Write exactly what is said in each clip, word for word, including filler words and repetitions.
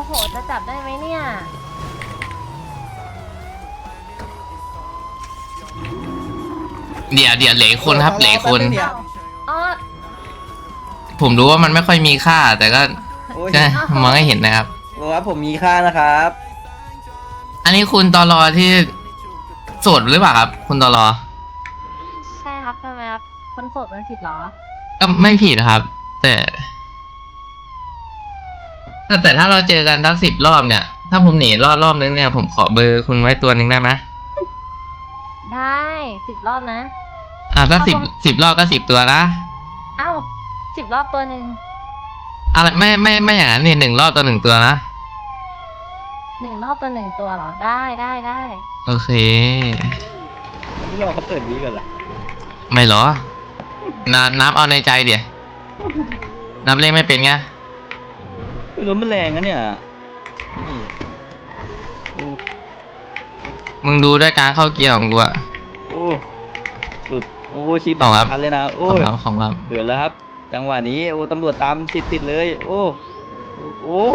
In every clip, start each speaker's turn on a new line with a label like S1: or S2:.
S1: โหจะจับได้ไหมเนี่ย
S2: เดี๋ยวเดี๋ยวเหลือคนครับเหลือคน
S1: อ๋อ
S2: ผมรู้ว่ามันไม่ค่อยมีค่าแต่ก็ใช่มองให้เห็นนะครับ
S3: บอกว่าผมมีค่านะครับ
S2: อันนี้คุณตอรอที่โสดหรือเปล่าครับคุณตอรอ
S1: ใช่ครับทำไมครับคนโสดมันผิดเหรอ
S2: ก็ไม่ผิดครับ แต่แต่ถ้าเราเจอกันทั้งสิบรอบเนี่ยถ้าผมหนีรอบรอบนึงเนี่ยผมขอเบอร์คุณไว้ตัวหนึ่งได้ไหม
S1: ได้สิบรอบนะ
S2: อ่าถ้าสิบสิบรอบก็สิบตัวนะ
S1: เอ้าสิบรอบตัวหนึ่ง
S2: อะไรไม่ไม่ไม่อย่างนั้นนี่หนึ่งรอบตัวหนึ่งตัวนะ
S1: หนึ่งรอบตัวหนึ่งตัวเหรอได้ได้ได้
S2: โอเค
S3: ไม่รอเขาเปิดวีก่อนเหรอ
S2: ไม่หรอนับนับเอาในใจเดี๋ยวนับเลขไม่เป็นไง
S3: รถมันแรงนะเนี่ย
S2: มึงดูด้วยการเข้าเกียร์ของกูอะ
S3: โอ้สุดโอ้ชีบคันเลยนะโอ้
S2: ของเราของเรา
S3: เดือดแล้วครับจังหวะนี้โอ้ตำรวจตามติดติดเลยโอ้โอ้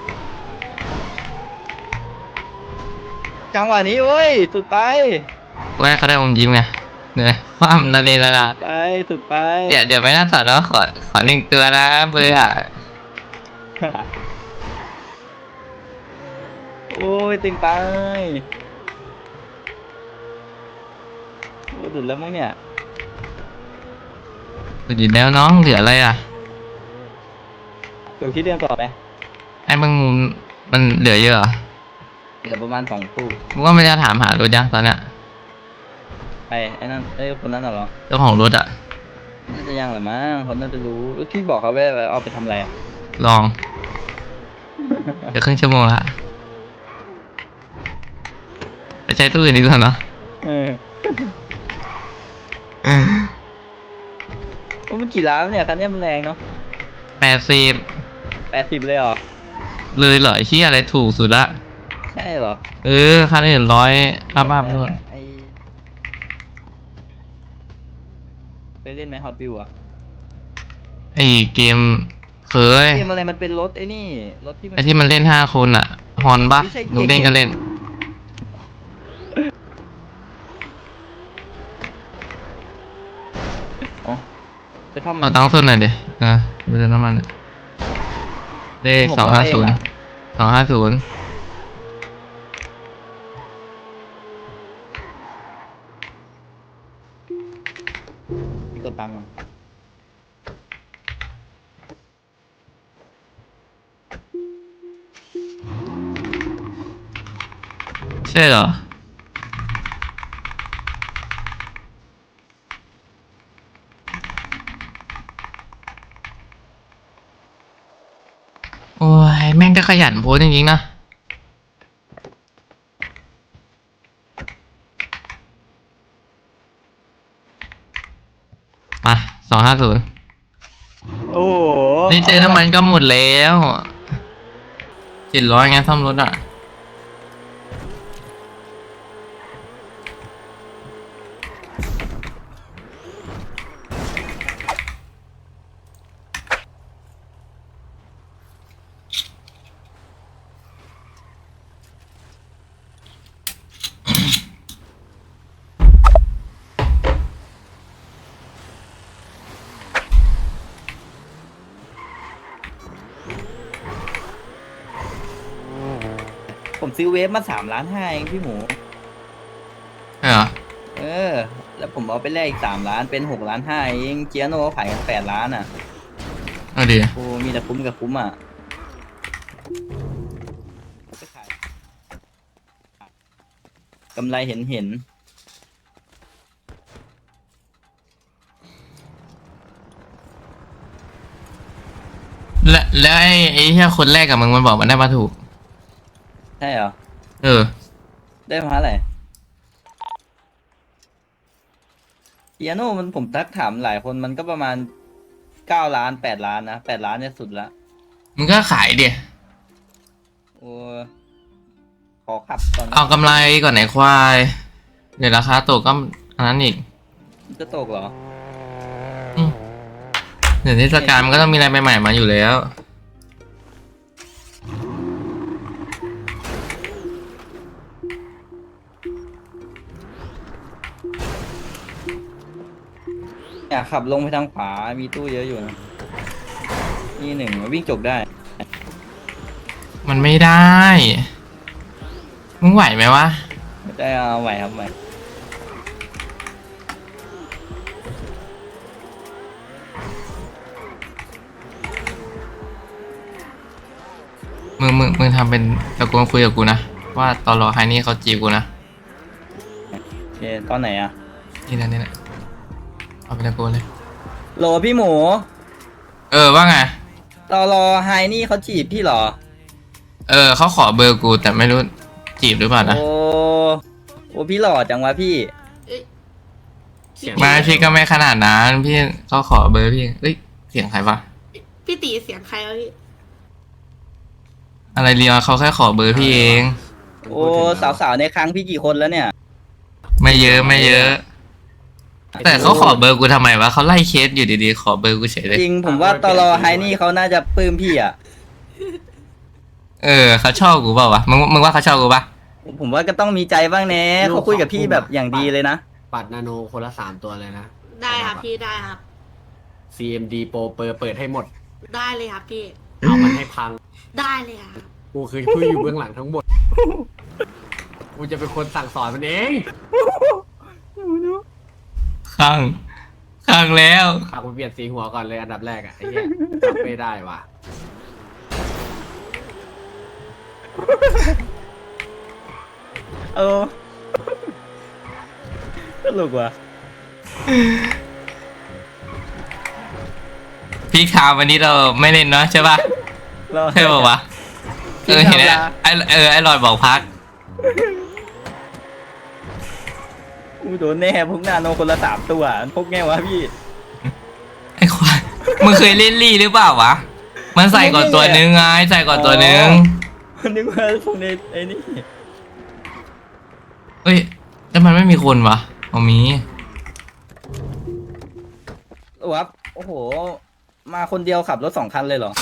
S3: จังหวะนี้โอ้ยสุดไป
S2: ว่าเขาได้อมยิ้มไงเนี่ยความนาเรนนา
S3: ไปสุดไป
S2: เดี๋ยวเดี๋ยวไม่น่าสอนแล้วขอขอหนึ่งตัวนะเบอร์อะ
S3: โอ้ยตึงไปโอ้ดุดแล้วมั้งเนี่ย
S2: สุดยแล้วน้องเหลืออะไรอ่ะ
S3: เดี๋ยวคิดเรื่องต่อไป
S2: ไอ้มึงมันเหลือเยอะเหรอ
S3: เหลือประมาณสองตู้
S2: มึงว่ามันจะถามหารถยังตอนเนี้ย
S3: ไปไอ้นั่นไอ้คนนั้นเหรอ
S2: เจ้าของรถอ่ะ
S3: น่าจะยังหรือมั้งเขาน่าจะรู้ที่บอกเขาว่าเอาไปทำอะไร
S2: ลองจะครึ่งชั่วโมงละไปใช้ตู้อื่นดีกว่าเนาะ
S3: เออมันกี่ล้านเนี่ยคันนี้มันแรงเนาะ
S2: แปดสิบ
S3: แปดสิบเลยเหรอ
S2: เลยเหรอที่อะไรถูกสุดละ
S3: ใช่เหรอ
S2: เออคันนี้ร้อยอัพอัพด้วย
S3: ไปเล่นไหมฮอตวิวอะ
S2: ไอเกมเคย
S3: เกมอะไรมันเป็นรถไอ้นี่รถที่
S2: ไอที่มันเล่นห้าคนอะฮอนปะลูกเล่นก็เล่น
S3: ไปท่อม
S2: เอาตั้งส่วนหน่อยดินะดูน้ำมันเลขสองห้าศูนย์สองห้าศูนย์
S3: กดตังค์
S2: ใช่เหรอโอ้ยแม่งก็ขยันโพสจริงๆนะมาสองห้าศูนย์
S3: โอ้
S2: นี่เจอน้ำมันก็หมดแล้วเจ็ดร้อยไงซ่อมรถอ่ะ
S3: ผมซื้อเวฟมาสามล้านห้าเองพี่หมู
S2: ใช่เหรอ
S3: เออแล้วผมเอาไปแลกอีกสามล้านเป็นหกล้านห้าเองเจียโน่ขายกันแปดล้านอ่ะ
S2: เอาดี
S3: โอ้มีแต่คุ้มกับคุ้มอ่ะกำไรเห็นเห็น
S2: และแล้วไอ้ไอ้ที่คนแรกกับมึงมันบอกมันได้มาถูก
S3: ใช่เหรอ
S2: เออ
S3: ได้มาอะไรเปียโนมันผมทักถามหลายคนมันก็ประมาณเก้าล้านแปดล้านนะแปดล้านเนี่ยสุดละ
S2: มึงก็ขายดิ
S3: โอ้ขอขับก่อน
S2: เอากำไรก่อนไหนควายเดี๋ยวราคาตกก็อันนั้นอีก
S3: จะตกเหรอ
S2: เดี๋ยวเทศกาลมันก็ต้องมีอะไรใหม่ๆมาอยู่แล้ว
S3: อยากขับลงไปทางขวามีตู้เยอะอยู่นะนี่หนึ่งวิ่งจบได้
S2: มันไม่ได้ มึงไหวไหมวะ
S3: ได้เอาไหวครับไหว
S2: มึงมึงมึงทำเป็นตะโกนคุยกับกูนะ ว่าตอนรอไฮนี่เขาจีบกูนะ
S3: โอเคตอนไหนอะ
S2: นี่นะนี่นะเอาเป็นตะโกนเลย
S3: โหลพี่หมู
S2: เออว่าไง
S3: ตอรอไฮนี่เขาจีบพี่เหรอ
S2: เออเขาขอเบอร์กูแต่ไม่รู้จีบหรือเปล่านะ
S3: โอ้โอ้พี่หล่อจังวะพี่
S4: เอ้ย
S5: เสียง
S2: ไมาพี่ก็ไม่ขนาดนั้นพี่เขาขอเบอร์พี่เอ้ยเสียงใครวะ
S4: พี่ตีเสียงใครวะพี่
S2: อะไรเรียเขาแค่ขอเบอร์พี่เอง
S3: โอ้สาวๆในครั้งพี่กี่คนแล้วเนี่ย
S2: ไม่เยอะไม่เยอะ แต่เขาขอเบอร์กูทำไมวะเขาไล่เคสอยู่ดีๆขอเบอร์กูเฉยเลย
S3: จริงผมว่าตอรอไฮนี่เขาน่าจะปลื้มพี่อะ
S2: เออเขาชอบกูเปล่าวะมึงมึงว่าเขาชอบกูปะ
S3: ผมว่าก็ต้องมีใจบ้างแน่เขาคุยกับพี่แบบอย่างดีเลยนะ
S5: ปัดนาโนคนละสามตัวเลยนะ
S4: ได้ครับพี่ได้ครับ
S5: ซี เอ็ม ดี Pro เปิดเปิดให้หมด
S4: ได้เลยครับพี่
S5: เอามันให้พัง
S4: ได้เลยครับ
S5: กูคือผู้อยู่เบื้องหลังทั้งหมด กูจะเป็นคนสั่งสอนมันเอง
S2: ข้างข้างแล้ว
S5: ฝากกูเปลี่ยนสีหัวก่อนเลยอันดับแรกอะไอ้เหี้ยจำไม่ได้ว่ะ
S3: เออตลกว่ะ
S2: พี่คาววันนี้เราไม่เล่นเนาะใช่ปะ
S3: เรา
S2: ใช่ป่าวะเออเห็นไหมไอเออไอลอยบอกพัก
S3: อูโดนแน่พวกนาโนคนละสามตัวพวกแง่วะพี่
S2: ไอควายมึงเคยเล่นลี่หรือเปล่าวะมันใส่ก่อนตัวนึงไงใส่ก่อนตัวนึง
S3: นึกว่าพวกในไอ้นี่
S2: เอ้ยแต่มันไม่มีคนวะเอามี
S3: วับโอ้โห มาคนเดียวขับรถสองคันเลยเหรอ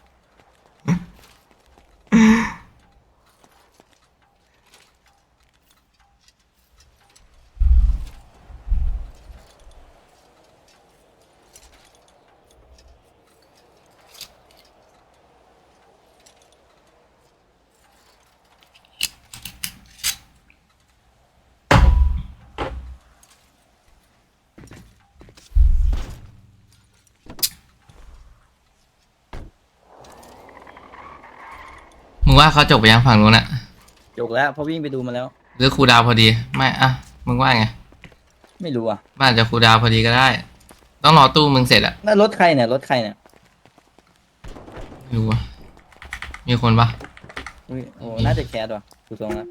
S2: มึงว่าเขาจบไปยังฝั่งนู้นอะ
S3: จบแล้วเพราะวิ่งไปดูมาแล้ว
S2: หรือครูดาวพอดีไม่อะมึงว่าไง
S3: ไม่รู้อ่ะ
S2: มันอาจจะครูดาวพอดีก็ได้ ต้องรอตู้มึงเสร็จอะ
S3: นั่นรถใครเนี่ยรถใครเนี่ย
S2: ไม่รู้อะมีคนปะ
S3: อุ๊ยโอ้น่าจะแคสว่ะดูทรงแล้ว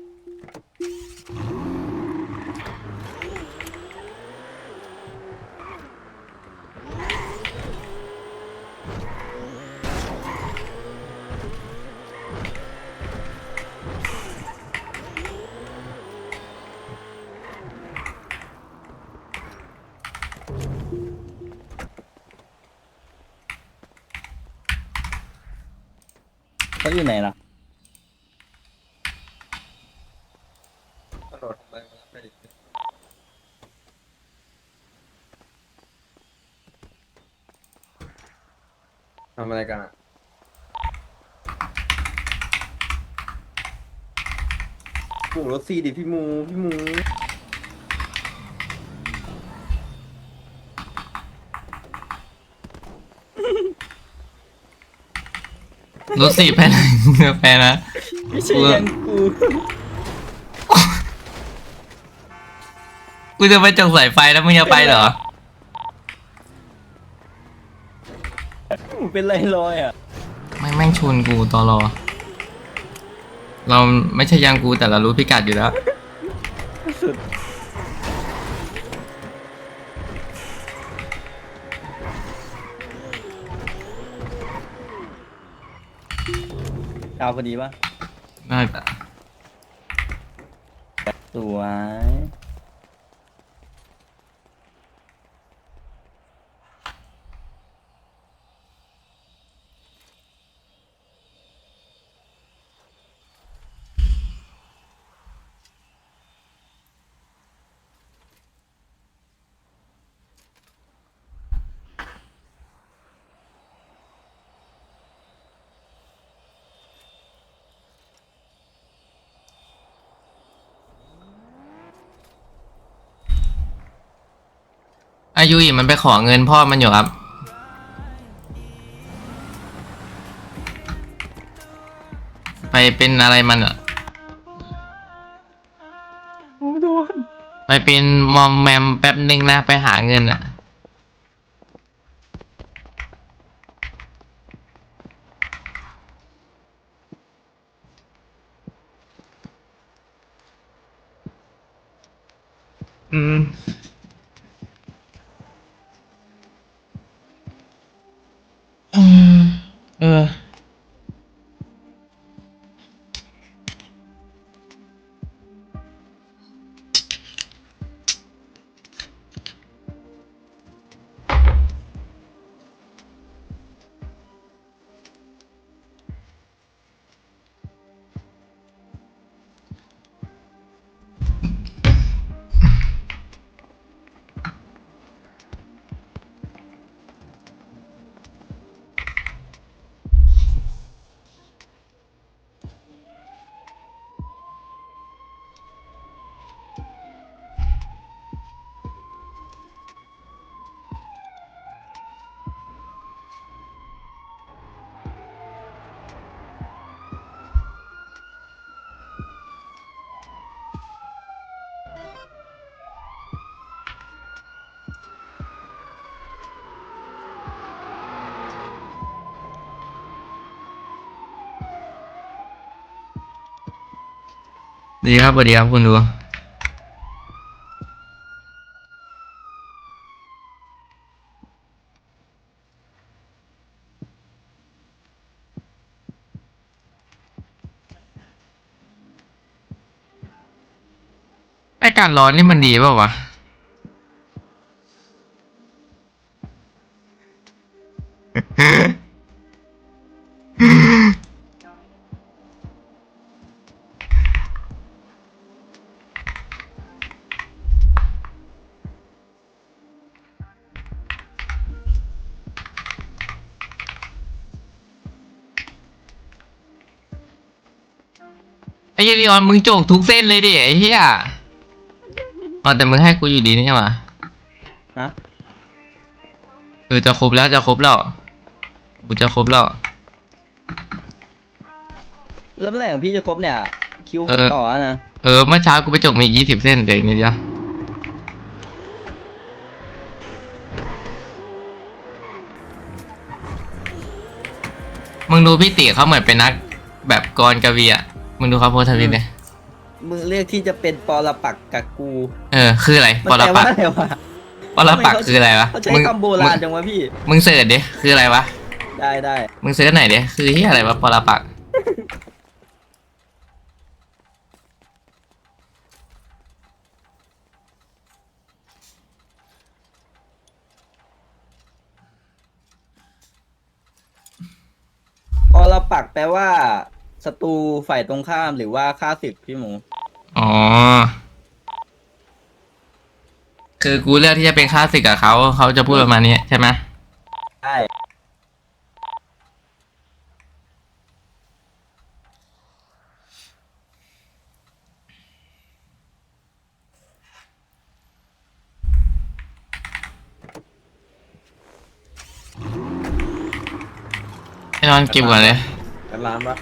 S3: เขาอยู่ไหนล่ะ
S6: ทำอะไรกันอ่ะหมูรถสี่ดิพี่หมู พี่หมู
S2: รถสี่ไปไหนไปนะ
S3: ไม่ใช่ยังกู
S2: กูจะไปจงสายไฟแล้วมึงจะไปเหรอ
S3: กูเป็นไรลอยอ่ะ
S2: ไม่แม่งชนกูตอรอ เราไม่ใช่ยังกูแต่เรารู้พิกัดอยู่แล้ว
S3: สุดดาวพอดีปะ
S2: น่าจะ
S3: สวย
S2: อายุอีมันไปขอเงินพ่อมันอยู่ครับ ไปเป็นอะไรมันอะไปเป็นมอมแมมแป๊บนึงนะไปหาเงินอะอืมอืมเออ ดีครับสวัสดีครับคุณดูไอการร้อนนี่มันดีเปล่าวะ ไอ้เหี้ยลีออนมึงโจกทุกเส้นเลยดิไอ้เหี้ยอ๋อแต่มึงให้กูอยู่ดีนี่หว่า
S3: นะ
S2: เออจะครบแล้วจะครบแล้วกูจะครบแล้ว
S3: แล้วเมื่อไหร่ของพี่จะครบเนี่ย คิว
S2: เออ
S3: ต่อนะ
S2: เออเมื่อเช้ากูไปจกมาอีกยี่สิบเส้นเดี๋ยวอีกนิดเดียวมึงดูพี่ติเขาเหมือนเป็นนักแบบกรกวีอ่ะมึงดูเขาโพสต์ทวิตเลย
S3: มึงเลือกที่จะเป็นปรปักษ์กับกู
S2: เออคืออะไร
S3: มัน
S2: ปร
S3: แปล
S2: ปั
S3: ว่าก
S2: ษ์
S3: อะไรวะ
S2: ปรปักษ์คืออะไรวะ
S3: เขาใช้
S2: มึง
S3: คำโบราณจังวะพี่
S2: มึงเสิร์ชดิคืออะไรวะ
S3: ได้ได้
S2: มึงเสิร์ชไหนดิคือที่อะไรวะปรปักษ์
S3: ปรปักษ์แปลว่าศัตรูฝ่ายตรงข้ามหรือว่าฆ่าศึกพี่หมู
S2: อ๋อคือกูเลือกที่จะเป็นข้าศึกกับเขาเขาจะพูดประมาณนี้ใช่ไหม
S3: ใช่
S2: ให้นอนเก็บก่อนเลย
S6: กันร้านปะ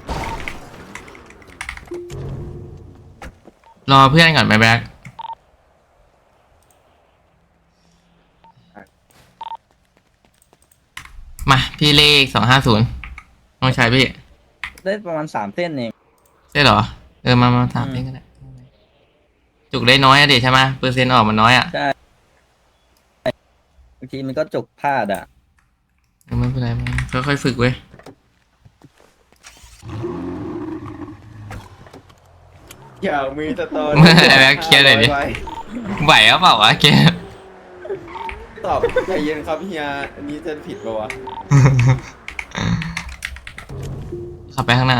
S2: รอเพื่อนก่อนไปแบ็คมาพี่เลขสองห้าศูนย์น้องชายพี่
S3: ได้ประมาณสามเส้นเอง
S2: ใช่เหรอ เออมามาถามเองก็ได้จุกได้น้อยอะดิใช่ไหมเปอร์เซ็นต์ออกมันน้อยอะ
S3: ใช่บางทีมันก็จกพลาดอ่ะ
S2: เออไม่เป็นไรไม่เป็นไรค่อยๆฝึกเว้ย
S6: อย่ามีสตอ
S2: ไม่เป็นไรเคลียร์หน่อยดิ ไหวหรือเปล่าวะเกม
S6: ตอบใจเย็นครับเฮียอันนี้จะผิดปะวะ
S2: ขับไปข้างหน้า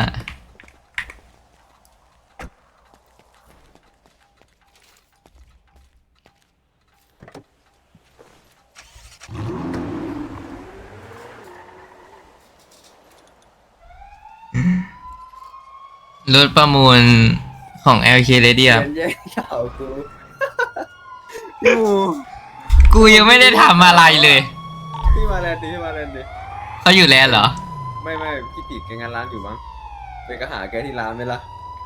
S2: รถประมูลของ แอล เค Ready ครับ
S6: เย็นแย่ข่าวกูพี่หมู
S2: กูยังไม่ได้ทำอะไรเลย
S6: พี่มาแลนด์ดิพี่มาแลนด์ดิ
S2: เขาอยู่แลนด์เหรอ
S6: ไม่ไม่พี่ติดแกงานร้านอยู่มั้งไปก็หาแกที่ร้านไหมล่ะ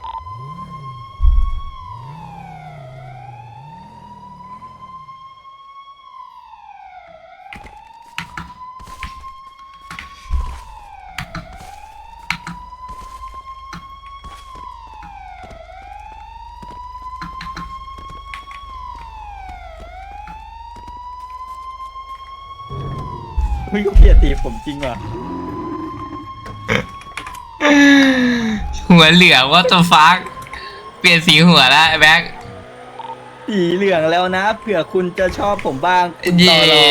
S3: เฮ้ยเขาเกลียดตีผมจริงว่ะ
S2: หัวเหลืองว่าจะฟัก เปลี่ยนสีหัวแล้วไอ้แบ็ค
S3: สีเหลืองแล้วนะเผื่อคุณจะชอบผมบ้างคุณ
S2: เย่
S3: ต่อรอง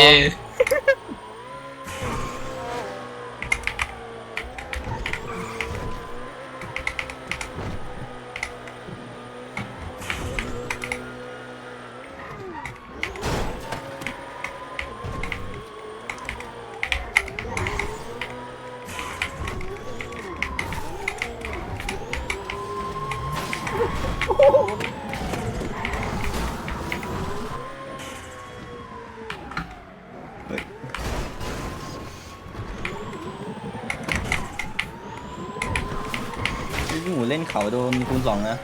S3: พี่หมูเล่นเขาโดนคูณสองนะ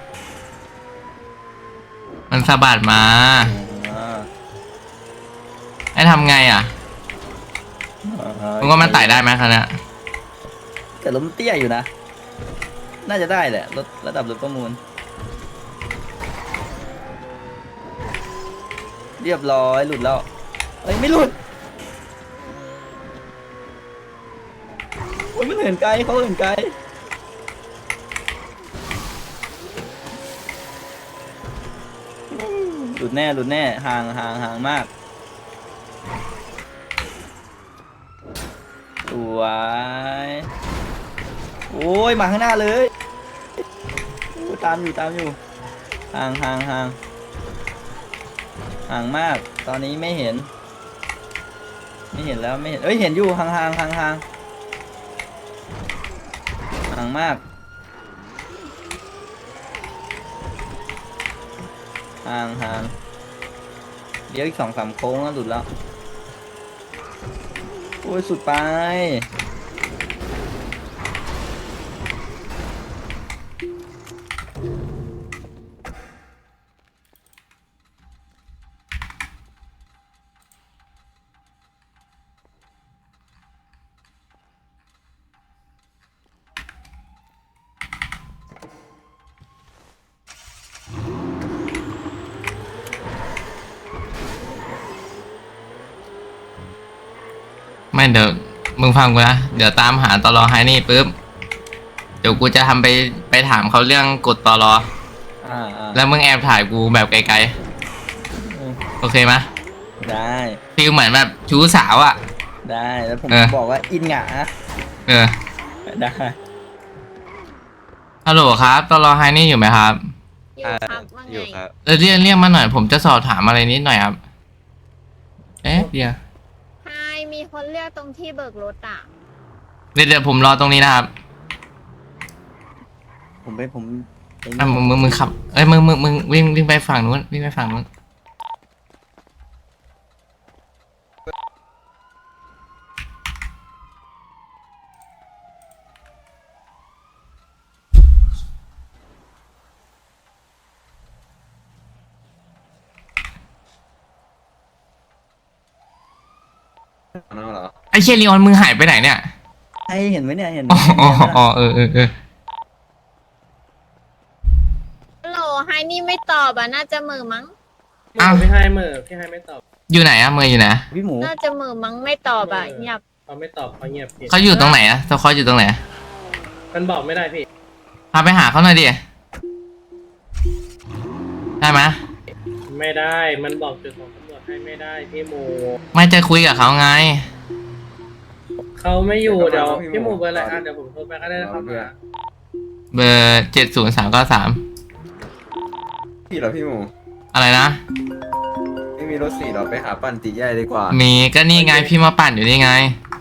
S2: มันสะบัดมา
S3: อ่า
S2: ให้ทำไงอ่ะ
S3: อ่า
S2: มึงว่ามันไต่ได้ไหมครับเนี่ย
S3: แต่ล้มเตี้ยอยู่นะ น่าจะได้แหละรถระดับรถประมูล เรียบร้อยหลุดแล้วเอ้ยไม่หลุดโอ้ยมันเหินไกลเขาเหินไกลหลุดแน่หลุดแน่ห่างห่างห่างมากสวยโอ้ยมาข้างหน้าเลยโอ้ยตามอยู่ตามอยู่ห่างห่างห่างห่างมากตอนนี้ไม่เห็น ไม่เห็นแล้วไม่เห็นเอ้ยเห็นอยู่ห่างห่างห่างห่างห่างมากห่างห่างเดี๋ยวอีกสองสามโค้งแล้วหลุดแล้วโอ้ยสุดไป
S2: ไม่เดี๋ยวมึงฟังกูนะ เดี๋ยวตามหาตลอให้นี่ปุ๊บ เดี๋ยวกูจะทำไปไปถามเขาเรื่องกดตลอ
S3: อ่าอ่า
S2: แล้วมึงแอบถ่ายกูแบบไกล
S3: อืม
S2: ๆ โอเคไหม
S3: ได้
S2: ฟีลเหมือนแบบชู้สาวอ่ะ
S3: ได้แล้วผม
S2: เออ
S3: บอกว่าอินหงา
S2: เออ
S3: ได้
S2: ฮัลโหลครับตลอให้นี่อยู่ไหมครับ
S7: อยู่ครับว่าไง
S6: อยู่ครับ
S2: เออเรียกเรียกมาหน่อย ผมจะสอบถามอะไรนิดหน่อยครับ เอ๊ะเดี๋ยว
S7: ใช่มีคนเรียกตรงที่เบิกรถอ่ะ
S2: เดี๋ยวเดี๋ยวผมรอตรงนี้นะครับ
S3: ผมไปผมไอ้นี่
S2: อ่ะมึงมึงมึงขับ เอ้ยมึงมึงมึงวิ่งวิ่งไปฝั่งนู้นวิ่งไปฝั่งนู้น
S6: น้องเหรอ
S2: ไอเชลีออนมึงหายไปไหนเนี่ย
S3: ให้เห็นไหมเนี่ยเห็นไหม
S2: อ๋ออ๋ออ๋อเออเออเออ
S7: ฮัลโหลไฮนี่ไม่ตอบอ่ะ น่าจะมือมั้ง
S2: อ้าว
S8: พี่ให้เมอร์พี่ให้ไม่ตอบ
S2: อยู่ไหนอะเมย์อยู่ไหน
S3: พี่หมู
S7: น่าจะมือมั้งไม่ตอบอ่ะเงียบ
S8: เขาไม่ตอบเขาเงียบพี่
S2: เขาอยู่ตรงไหนอะสควอตอยู่ตรงไหน
S8: มันบอกไม่ได้พี่
S2: พาไปหาเขาหน่อยดิ ได้ไหม
S8: ไม่ได้ มันบอกจุดของตำรวจให้ไม่ได้พี่หมู
S2: ไม่จะคุยกับเขาไง
S8: เขาไม่อยู่เดี๋ยวพี่หมูเบอร์อะไรอ่ะเดี๋ยวผมโทรไปก็ได้นะครับมา
S2: เบอร์เจ็ดศูนย์สามเก้าสาม
S6: พี่เหรอพี่หมู
S2: อะไรนะ
S6: ไม่มีรถสี่เหรอไปหาปั่นตีใหญ่ดีกว่า
S2: มีก็นี่ไงพี่มาปั่นอยู่นี่ไง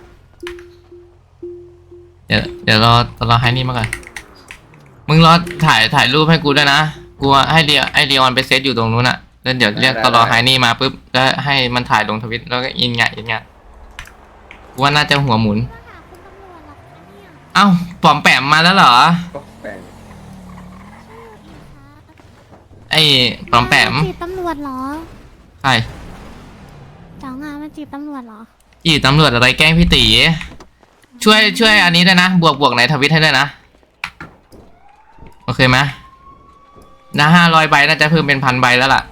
S2: เดี๋ยวเดี๋ยวรอรอให้นี่มาก่อน มึงรอถ่ายถ่ายรูปให้กูด้วยนะ กูให้เดียให้เดียอนไปเซตอยู่ตรงนู้นอะแล้วเดี๋ยวเรียกตลอไฮนี่มาปุ๊บแล้วให้มันถ่ายลงทวิตแล้วก็อินไงอินไงกูว่าน่าจะหัวหมุน เอ้าปอมแปมมาแล้วเหรอ
S6: ก็แปลง
S2: ไอ้ปอมแปม
S9: จีบตำรวจเหรอ
S2: ใช่
S9: เจ้างานมาจีบตำรวจเหรอ
S2: อีตำรวจอะไรแกล้งพี่ตีช่วยช่วยอันนี้ด้วยนะ บวกบวกในทวิตให้ด้วยนะ โอเคไหมนะห้าร้อยใบน่าจะเพิ่มเป็นพันใบแล้วล่ะ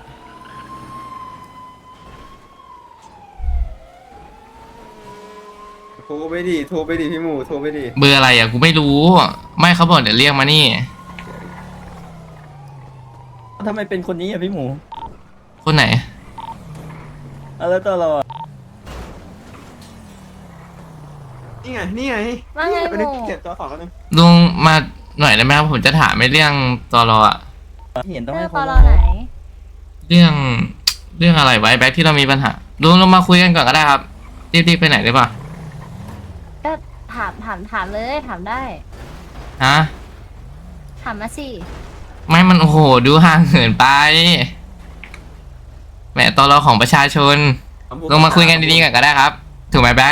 S6: โทรไปดิโทรไปดิพี่หมูโทรไปดิ
S2: เบอร์อะไรอ่ะกูไม่รู้ ไม่เขาบอกเดี๋ยวเรียกมานี่
S3: ทำไมเป็นคนนี้อ่ะพี่หมู
S2: คนไหน
S3: เอาแล้วตัวเราอ่ะ
S6: นี่ไงนี่ไง
S1: ว่าไง
S6: ไปนึก
S1: หมู
S6: เก็บตัวของกันนึง
S2: ลุงมาหน่อยได้ไหมครับผมจะถามในเรื่องตอรออะ
S3: เห็นต้อง
S1: เรื่
S3: ให้
S1: อง
S3: เขา
S1: ตอรอไหน
S2: เรื่องเรื่องอะไรไว้แบ็คที่เรามีปัญหาลุงลงมาคุยกันก่อนก็ได้ครับรีบๆไปไหนได้ปะ
S1: ก็ถามถามถามเลยถามได้
S2: ฮะ
S1: ถามมาสิ
S2: ไม่มันโอ้โหดูห่างเหินไปแหมตอรอของประชาชนลงมาคุยกันดีๆกันก็ได้ครับถูกไหมแบ็ค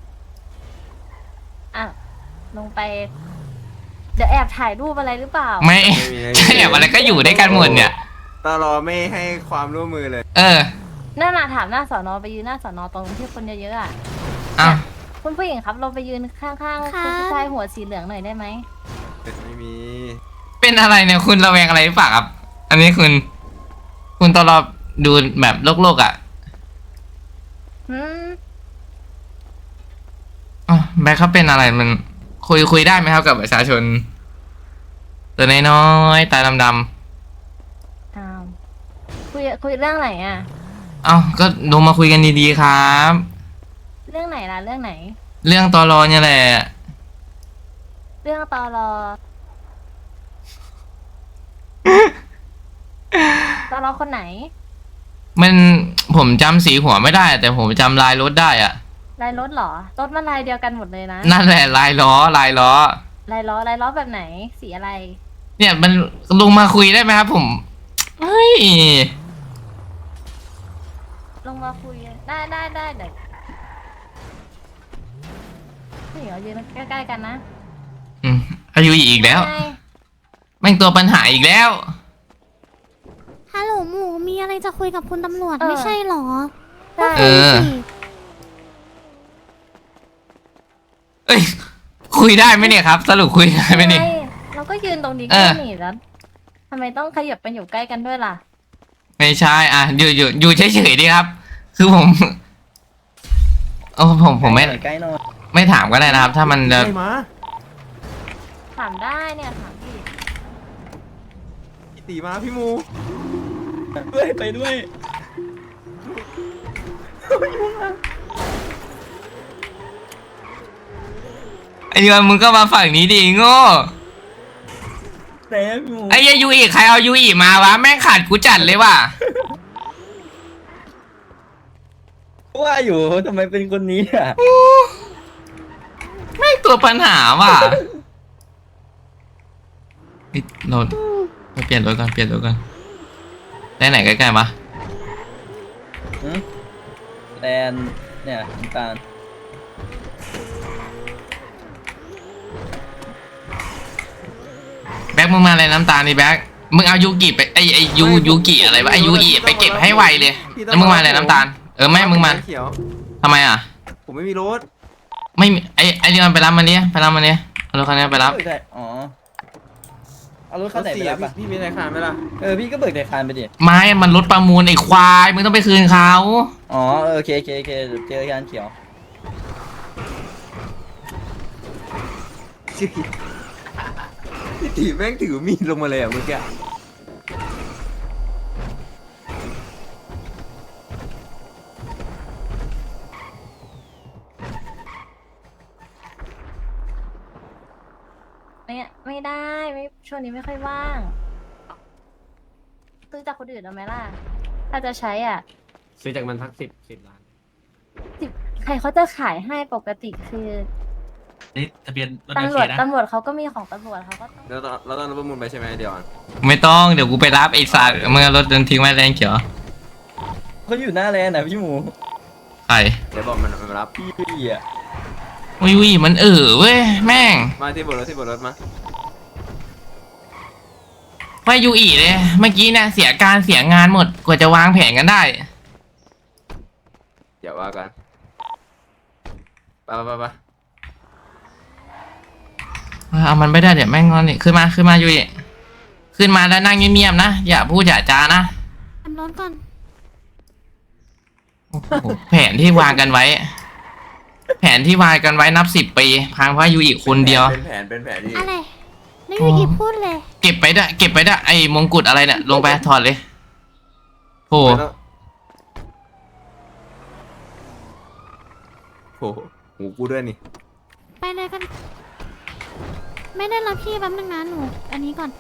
S1: อ่ะลงไป เดี๋ยวแอบถ่ายรูปอะไรหรือเปล่า
S2: ไม่ใช่อะไรก็อยู่ด้วยกันหมดเนี่ย
S6: ตลอไม่ให้ความร่วมมือเลย
S2: เออ
S1: นั่นน่ะถามหน้าสอนอไปยืนหน้าสอนอตรงที่คนเยอะๆอ่ะ
S2: อ้าว
S1: คุณผู้หญิงครับเราไปยืนข้างๆคุณผู้ชายหัวสีเหลืองหน่อยได้ไหม
S6: ไม่มี
S2: เป็นอะไรเนี่ยคุณระแวงอะไรหรือเปล่าครับ อันนี้คุณ คุณตอรอดูแบบโลกๆอ่ะ
S1: หืม
S2: อ๋อแบ็คเขาเป็นอะไรมันคุยคุยได้ไหมครับกับประชาชน ตัวน้อยๆตาดำ
S1: อ้าวคุยคุยเรื่องไหนอ่ะ
S2: ๆเอ้าก็ลงมาคุยกันดีๆครับ
S1: เรื่องไหนล่ะเรื่องไหน
S2: เรื่องตอรอเนี่ยแหละ
S1: เรื่องตอรอ ตอรอคนไหน
S2: มันผมจำสีหัวไม่ได้ แต่ผมจำลายรถได้อะ
S1: ลายรถเหรอ รถมันลายเดียวกันหมดเลยนะ
S2: นั่นแหละลายล้อลายล้อ
S1: ลายล้อลายล้อแบบไหน สีอะไร
S2: เนี่ยมันลงมาคุยได้ไหมครับ ผมเฮ้ย
S1: ลงมาคุย ได้ได้ได้เดี๋ยวนี่เหรอยืนใกล้ๆกันนะ
S2: อืมอายุอีกแล้ว
S1: ไง
S2: แม่งตัวปัญหาอีกแล้ว
S9: ฮัลโหลหมูมีอะไรจะคุยกับคุณตำรวจไม่ใช่เหรอ
S1: ได้
S2: เออ เอ้ย คุยได้ไหมเนี่ยครับ สรุปคุยได้ไหมเนี่ย
S1: ไงเราก็ยืนตรงนี้
S2: เอ
S1: ก็
S2: อ
S1: หนีแล้วทำไมต้องขยับไปอยู่ใกล้กันด้วยล่ะ
S2: ไม่ใช่อ่ะอยู่อยู่อยู่เฉยๆดีครับ คือผมโอ้ผมผมไม่
S3: ใกล้หน่อย
S2: ไม่ถามก็ได้นะครับ ถ้ามันจะ
S6: ใช่มา
S1: ถามได้เนี่ยถามพี่
S6: พี่ตีมาพี่หมู
S3: ด้วยไปด้วย
S2: ไอ้ยอนมึงก็มาฝั่งนี้ดิโง่
S3: แต่พี่หมู
S2: ไอ้ยยูอีใครเอายูอีมาวะแม่งขาดกูจัดเลยว่ะ
S3: ว่าอยู่ทำไมเป็นคนนี้อ่ะ
S2: แม่งตัวปัญหาว่ะเฮ้ยเราไปเปลี่ยนรถก่อนเปลี่ยนรถก่อนได้ไหนใกล้ๆปะ
S3: หืมแดนเนี่ยน้ำตาล
S2: แบ็คมึงมาอะไรน้ำตาลนี่แบ็คมึงเอายูกิไปไอไอยูยูกิอะไรวะไอยูอีไปเก็บให้ไวเลยแล้วมึงมาอะไรน้ำตาลเออไม่มึงมา
S6: เขียว
S2: ทำไมอ่ะ
S6: ผมไม่มีรถ
S2: ไม่มีไอไอเดียนไปรับมันดิไปรับมันดิเอารถคันนี้ไปรับ
S3: เบิกได้อ๋อ เอารถ
S6: ร
S3: คัน
S6: ถ
S3: ไหนไป
S6: เสีย
S3: รับ
S6: พี่
S3: อ่ะ
S6: พี่มีธนาคารไหมล่ะ
S3: เออพี่ก็เบิกแต่คานไปดิ
S2: ไม่มันรถประมูลไอควายมึงต้องไปคืนเขา
S3: อ๋อเออโอเคโอเคโอเคเดี๋ยวเจอกันเขียว
S6: พี่ตีแม่งถือมีดลงมาเลยอ่ะเมื่อกี้
S1: เนี่ยไม่ได้ไม่ช่วงนี้ไม่ค่อยว่างซื้อจากคนอื่นเอาไหมล่ะ ถ้าจะใช้อ่ะ
S5: ซื้อจากมันทักสิบสิบล้าน
S1: สิบใครเขาจะขายให้ปกติคือ
S10: นี่ทะเบียนรถ
S1: ตำร
S10: โอ
S1: วจ
S10: เคนะ
S1: ตำรวจเขาก็มีของตำรวจเขาก็ต้อง
S6: แล้วตอนแล้วตอนรถประมูลไปใช่ไหมเดี๋ยวอ่ะ
S2: ไม่ต้องเดี๋ยวกูไปรับไอสัตว์มึงเอารถเดินทิ้งไว้แรงเขียว
S3: เขาอยู่หน้าแลนด์นะพี่หมู
S2: ใคร
S6: เดี๋ยวบอกมันมันรับ
S3: พี่พี่อ่ะ
S2: วิวิมันเออเว้ยแม่ง
S6: มาที่บนรถที่บนรถมา
S2: ว่ายูอีเลยเมื่อกี้เนี่ยเสียการเสียงานหมดกว่าจะวางแผนกันได้
S6: อย่าว่ากันไปไปไปไป
S2: เอามันไม่ได้เดี๋ยวแม่งงอนนี่ขึ้นมาขึ้นมายูอีขึ้นมาแล้วนั่งเงียบๆนะอย่าพูดอย่าจานะ
S9: ทำรถก่อน
S2: โอ้โหแผนที่วางกันไว้ แผนที่วางกันไว้นับสิบปีพังเพราะยูอีคนเดียว
S6: เป็นแผนเป็นแผนที่
S9: อะไรไม่มีอีพูดเลย
S2: เก็บไปด้วยเก็บไปด้วยไอ้มงกุฎอะไรเนี่ยลงไปถอดเลยโห
S6: ไม่ต้องโอ้โหหูกูด้วยนี่
S9: ไปเลยกัน ไม่ได้รับพี่แป๊บนึงนะหนู อันนี้ก่อน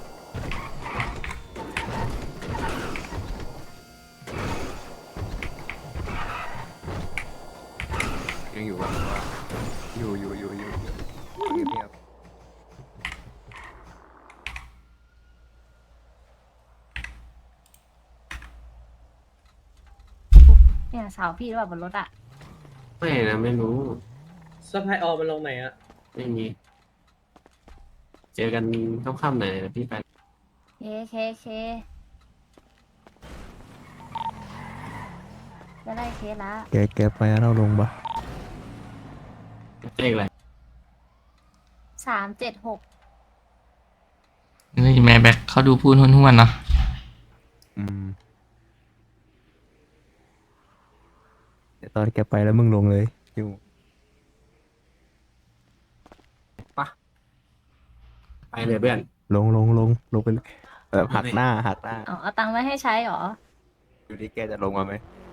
S6: ยังอยู่แบบว่าอยู่อยู่อยู่อยู่อยู่เงียบ
S1: เนี่ยสาวพี่หรือเปล่าบนรถอ่ะ
S5: ไม่นะไม่รู้
S8: สะพายออมันลงไหนอะ
S5: ไม่มี เจอกันค่ำๆหน่อยนะพี่ไป
S1: เคเคเคจะได้เคสละ
S3: แกแกไปเราลงปะ
S5: เลขอะไร
S1: สามเจ็ดหก
S2: นี่แม่แบ็คเขาดูพูดห้วนๆเนาะ
S3: อืมเดี๋ยวตอนแกไปแล้วมึงลงเลยพี่หมู
S5: ไปเลยเพื่อน
S3: ลงลงลงลงไปเลยแบบหักหน้าหักหน้า
S1: เอาเอาตังค์ไว้ให้ใช้เหรอ
S3: ดูที่แกจะลงมาไหม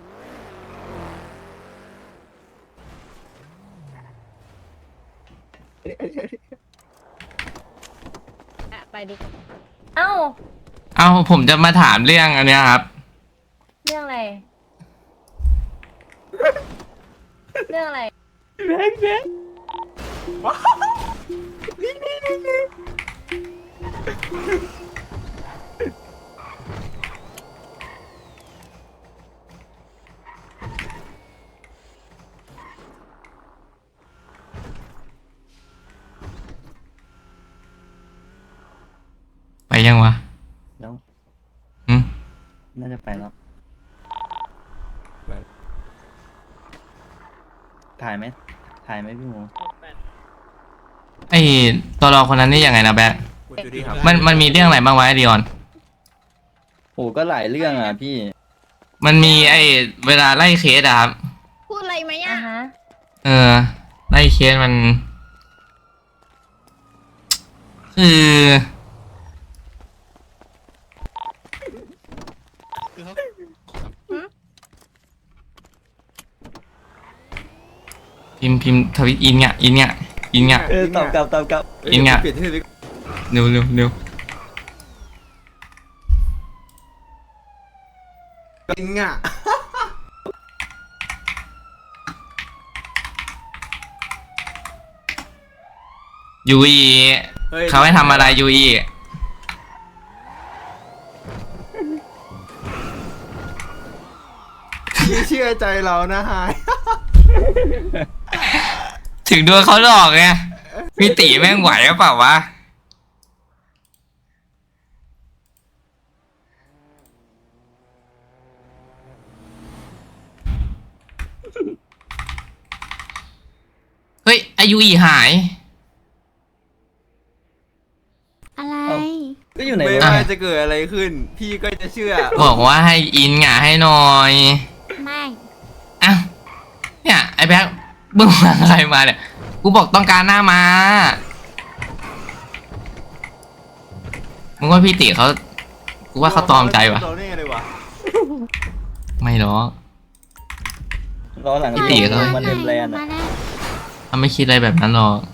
S7: ไปดิ
S1: เอ้า
S2: เอาผมจะมาถามเรื่องอันเนี้ยครับ
S1: เรื่องอะไร เรื่องอะไร
S2: ไปยังวะ
S3: แล้ว
S2: อืม
S3: น่าจะไปแล้วถ่ายไหมถ่ายไหมพี่หมู
S2: ไอ้ตัวรอคนนั้นนี่ยังไงนะแบ็ค
S6: คุณจูดี้ครับ
S2: มันมันมีเรื่องอะไรบ้างวะไอดิออน
S3: โอ้ก็หลายเรื่องอ่ะพี่
S2: มันมีไอ้เวลาไล่เคสอะครับ
S7: พูดอะไรไหม
S1: อ่ะ
S7: อะ
S1: ฮะ
S2: เออไล่เคสมัน คือพิมพ์พิมพ์ทวิตอินเนี่ยอินเนี่ยอินเนี่ย
S3: เออตอบกลับตอบกลับ
S2: อินเนี่ย
S6: เปลี่ยนที่เลย
S2: เร็วเร็วเร็ว
S6: กินง่ะ
S2: ยูอี
S6: ฮ้ย
S2: เขาให้ทำอะไรยูอี
S6: พี่เชื่อใจเรานะฮาย
S2: ถึงโดนเขาหลอกไงพี่ตีแม่งไหวหรือเปล่าวะเฮ้ยอายุอีหาย
S9: อะไร
S3: ก็อยู่ไหน
S6: ไม่
S3: วะ
S6: ว่าจะเกิดอะไรขึ้น พี่ก็จะเชื่อ
S2: บอกว่าให้อินหงาให้หน่อย
S9: ไม่
S2: อ้าวเนี่ยไอ้แบ็คมึงมาอะไรมาเนี่ยกูบอกต้องการหน้ามามึงว่าพี่ติเขากูว่าเขาตอมใจวะ
S6: เราเนี่ยเลยวะ
S2: ไม่หรอก
S3: รอหลัง
S2: พี่ตีเขา
S3: มันเต็มแลนด์
S9: มา
S3: อ่ะ
S9: แล้ว
S2: เขาไม่คิดอะไรแบบนั้นหรอก